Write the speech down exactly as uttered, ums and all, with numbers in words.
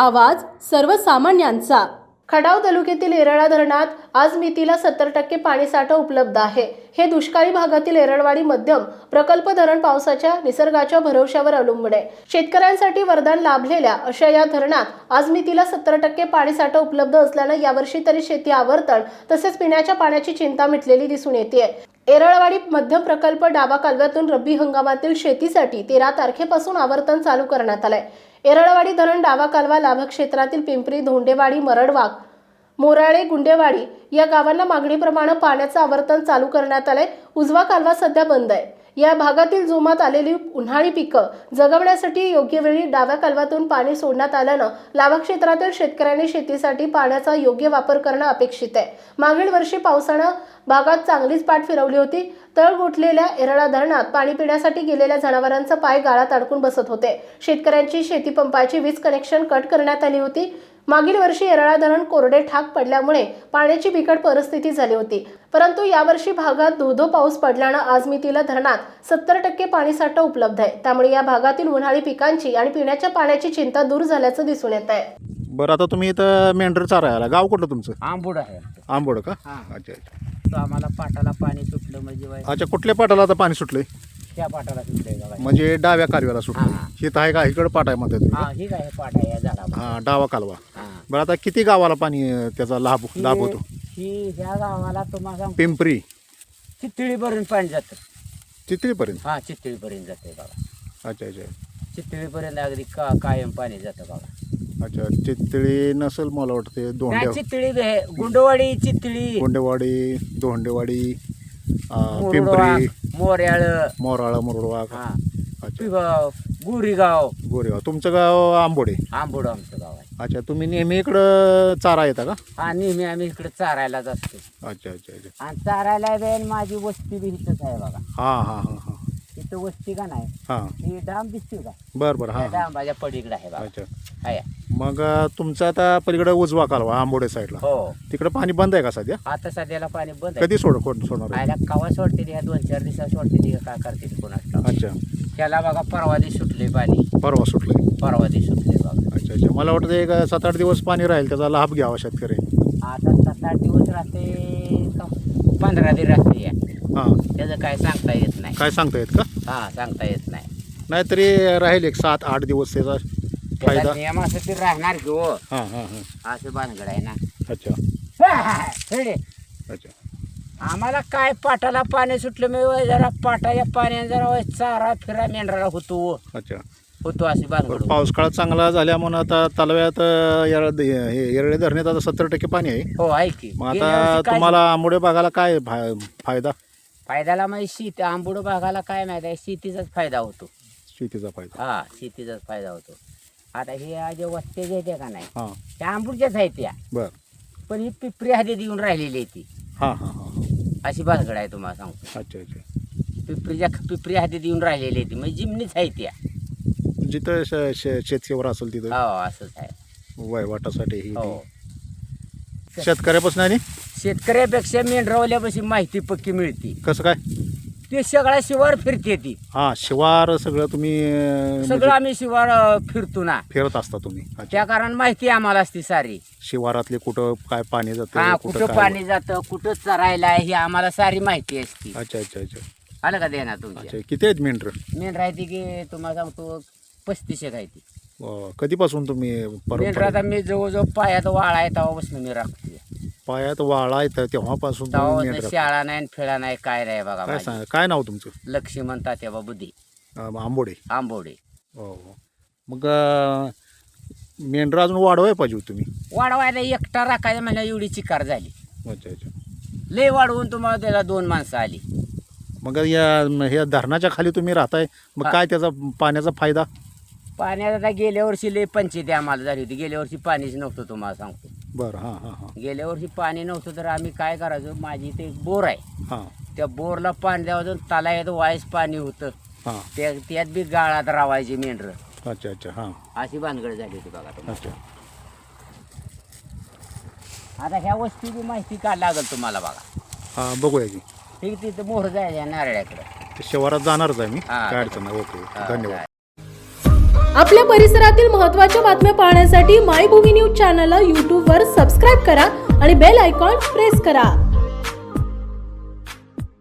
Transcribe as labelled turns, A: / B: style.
A: आवाज सर्वसामान्यांचा। खडाव तालुक्यातील येरळा धरणात आज मितीला सत्तर टक्के पाणीसाठा उपलब्ध आहे। हे दुष्काळी भागातील येरळवाडी मध्यम प्रकल्प धरण पावसाच्या निसर्गाच्या भरवशावर अवलंबून आहे। शेतकऱ्यांसाठी वरदान लाभलेल्या अशा या धरणात आज मितीला सत्तर टक्के पाणीसाठा उपलब्ध असल्याने यावर्षी तरी शेती आवर्तन तसेच पिण्याच्या पाण्याची चिंता मिटलेली दिसून येते। येरळवाडी मध्यम प्रकल्प डावा कालव्यातून रब्बी हंगामातील शेतीसाठी तेरा तारखेपासून आवर्तन चालू करण्यात आले। येरळवाडी धरण डावा कालवा लाभक्षेत्रातील पिंपरी, धोंडेवाडी, मरडवाग, मोराळे, गुंडेवाडी या गावांना मागणीप्रमाणे पाण्याचे आवर्तन चालू करण्यात आले। उजवा कालवा सध्या बंद आहे। या भागातील जोमात आलेली उन्हाळी पिकं जगवण्यासाठी योग्य वेळी डाव्या कालव्यातून पाणी सोडण्यात आल्याने लाभक्षेत्रातील शेतकऱ्यांनी शेतीसाठी पाण्याचा योग्य वापर करणं अपेक्षित आहे। मागील वर्षी पावसाने भागात चांगलीच पाठ फिरवली होती। तळ गोठलेल्या येरळा धरणात पाणी पिण्यासाठी गेलेल्या जनावरांचा पाय गाळात अडकून बसत होते। शेतकऱ्यांची शेतीपंपाची वीज कनेक्शन कट करण्यात आली होती। मागील वर्षी येरळा धरण कोरडे ठाक पडल्यामुळे पाण्याची बिकट परिस्थिती झाली होती, परंतु यावर्षी भागात धोधो पाऊस पडल्याने आज मितीला धरणात सत्तर टक्के पाणीसाठा उपलब्ध आहे। त्यामुळे या भागातील उन्हाळी पिकांची आणि पिण्याच्या पाण्याची चिंता दूर झाल्याचं दिसून येत आहे।
B: बरं, आता तुम्ही इथं मेंढर चारायला गाव कुठलं तुमचं?
C: आंबोड आहे।
B: आंबोड का?
C: हां.
B: अच्छा अच्छा
C: तो आम्हाला पाटाला पाणी सुटलं म्हणजे बाई
B: अच्छा कुठल्या पाटाला आता पाणी सुटलंय?
C: त्या पाटाला सुटलंय का बाई?
B: म्हणजे डाव्या कालव्याला सुटलं.
C: हां.
B: हित आहे का? इकडं पाट आहे म्हणतात तुम्ही?
C: हा ही काय पाट आहे या झाडाला।
B: हां, डावा कालवा.
C: हां.
B: बरं, आता किती गावाला पाणी अं, त्याचा लाभ लाभ होतो?
C: ही ह्या गावाला तुम्हाला
B: पिंपरी
C: चितळीपर्यंत पाणी जातं।
B: चितळीपर्यंत?
C: हा चितळीपर्यंत जाते बघा।
B: अच्छा अच्छा
C: चितळीपर्यंत अगदी का कायम पाणी जातं बघा।
B: अच्छा चितळी नसेल मला वाटते. दोंडे,
C: नाही, चितळी हे गुंडवाडी, चितळी,
B: गोंडेवाडी, दोंडेवाडी, अं,
C: मुरडवाग,
B: पिंपरी,
C: मोर्याळ,
B: मोराळा, मुरडवाग.
C: हा
B: अच्छा
C: पिगाव, गुरीगाव,
B: गोरेगाव. तुमचं गाव आंबोडे?
C: आंबोड आमचं गाव आहे।
B: अच्छा, तुम्ही नेहमी इकडं चारा येता का?
C: हा नेहमी आम्ही इकडे चारायलाच असतो।
B: अच्छा अच्छा अच्छा
C: आणि चारायला बेन माझी वस्ती बी इथंच आहे बघा।
B: हां हां हां हां
C: इथं वस्ती का नाही,
B: हां
C: ही डाम दिसते का?
B: बरं बरं. हां हां.
C: डांबाच्या पलीकडे आहे बघा।
B: अच्छा,
C: आहे
B: मग अं, तुमचं आता पलीकडे उजवा कालवा आंबोडे साईडला,
C: हो।
B: तिकडे पाणी बंद आहे का सध्या?
C: आता सध्याला पाणी बंद आहे।
B: कधी सोड कोण सोडणार आहे?
C: आयला कवा सोडते ह्या दोन चार दिवसात सोडते ती काय करते ती कोणाच ठाऊक।
B: अच्छा,
C: त्याला बघा परवा दिवशी सुटले पाणी,
B: परवा सुटलंय.
C: परवा दिवशी सुटले बघा।
B: अच्छा अच्छा, मला वाटतं एक सात आठ दिवस पाणी राहील, त्याचा लाभ घ्यावा शेतकरी.
C: आता सात आठ दिवस राहते का पंधरा दिवस राहते या,
B: हां,
C: त्याचं काय सांगता येत नाही।
B: काय सांगता येत का?
C: हा सांगता येत नाही।
B: नाहीतरी राहील एक सात आठ दिवस त्याचा फायदा.
C: त्याला नियमासाठी राहणार की हो,
B: हां हां हां.
C: असं भानगड आहे ना।
B: अच्छा
C: खेळे
B: अच्छा.
C: आम्हाला काय पाटाला पाणी सुटलं मी जरा पाटाच्या पाण्याने जरा चारा फिरा मेंढराला होतो
B: अच्छा.
C: होतो अशी भानगड।
B: पाऊस काळ चांगला झाल्यामुळे आता तलाव्यात अं, येरळ हे येरळे धरणात आता सत्तर टक्के पाणी आहे.
C: हो आहे की।
B: मग
C: गेल्या
B: आता
C: वर्षी काय
B: तुम्हाला आंबोडे बागाला काय फा- फायदा?
C: फायद्याला म्हणजे शेती आंबोड भागाला काय माहिती आहे, शेतीचाच फायदा होतो।
B: शेतीचा फायदा.
C: हा शेतीचाच फायदा होतो। आता हे जे वस्ते जे येते का नाही,
B: हां
C: त्या आंबूडच्याच आहेत त्या,
B: बरं.
C: पण ही पिपरी हद्दीत येऊन राहिलेली आहे ती,
B: हां हां हां हां.
C: अशी भानगड आहे तुम्हाला सांगतो।
B: अच्छा अच्छा.
C: पिपरीच्या पिपरी हद्दीत येऊन राहिलेली आहे ती, म्हणजे जिमनीच आहे त्या।
B: जिथं श- श- शेतशिवार असेल तिथं
C: हो असंच आहे।
B: वयवाटासाठी ही
C: हो
B: शेतकऱ्यापासून. आणि
C: शेतकऱ्यापेक्षा मेंढरावल्यापाशी माहिती पक्की मिळते।
B: कसं काय?
C: ते सगळ्या शिवार फिरते ती,
B: हां, शिवार सगळं तुम्ही अं,
C: सगळं
B: म्हणजे
C: आम्ही शिवार अं, फिरतो ना,
B: फिरत असता तुम्ही. अच्छा.
C: त्या कारण माहिती आम्हाला असते सारी।
B: शिवारातले कुठं काय पाणी
C: हा
B: जातं,
C: कुठं
B: काय-
C: पाणी जातं, कुठं चरायला आहे, ही आम्हाला सारी माहिती असते।
B: अच्छा अच्छा अच्छा
C: आलं का देणार तुमच्या?
B: अच्छा. किती आहेत मेंढर?
C: मेंढर आहे ती की तुम्हाला सांगतो पस्तीस एक आहे ती
B: अं, कधीपासून तुम्ही
C: मेंढर।
B: परंपरा
C: आता मी जवळजवळ पायात वाळा आहे तेव्हापासून मी राखते।
B: पायात वाळा येतं तेव्हापासून तुम्ही
C: तेव्हापासून
B: मेंढर.
C: शाळा नाही फिळा नाही काय नाही बघा
B: काय
C: माझी।
B: सांग काय नाव तुमचं?
C: लक्ष्मण तात्याबा बुद्धी,
B: अं, आंबोडे.
C: आंबोडे।
B: हो हो. मग अं, मेंढर अजून वाढवाय पाहिजे होती तुम्ही.
C: वाढवायला एकटा राखायला मला एवढी चिकार झाली,
B: अच्छा अच्छा.
C: लय वाढवून तुम्हाला त्याला दोन माणसं आली।
B: मग या ह्या धरणाच्या खाली तुम्ही राहताय, मग
C: हा.
B: काय त्याचा पाण्याचा फायदा?
C: पाण्यात आता गेल्या वर्षी लय पंचायती आम्हाला झाली होती। गेल्या वर्षी पाणीच नव्हतं तुम्हाला सांगतो।
B: बरं. हां हां हां
C: गेल्या वर्षी पाणी नव्हतं तर आम्ही काय करायचो, माझी इथे एक बोर आहे,
B: हां
C: त्या बोरला पाणी द्यावं, तलावात वाईस पाणी होतं,
B: हां.
C: त्या त्यात बी गाळात रावायचे मेंढर,
B: अच्छा अच्छा. हां
C: अशी भानगड झाली होती बघा तुम्हाला।
B: अच्छा.
C: आता ह्या वस्तीची माहिती काय लागेल तुम्हाला बघा।
B: हां, बघूया की.
C: ठीक, तिथं मोहर जायच्या नारळ्याकडे।
B: ते शिवारात जाणारच आहे मी,
C: हां.
B: काय अडचण नाही. ओके,
C: हा,
B: धन्यवाद.
C: जाय.
A: आपल्या परिसरातील महत्त्वाच्या बातम्या पाहण्यासाठी मायभूमी न्यूज चॅनलला यूट्यूबवर सबस्क्राईब करा आणि बेल आयकॉन प्रेस करा.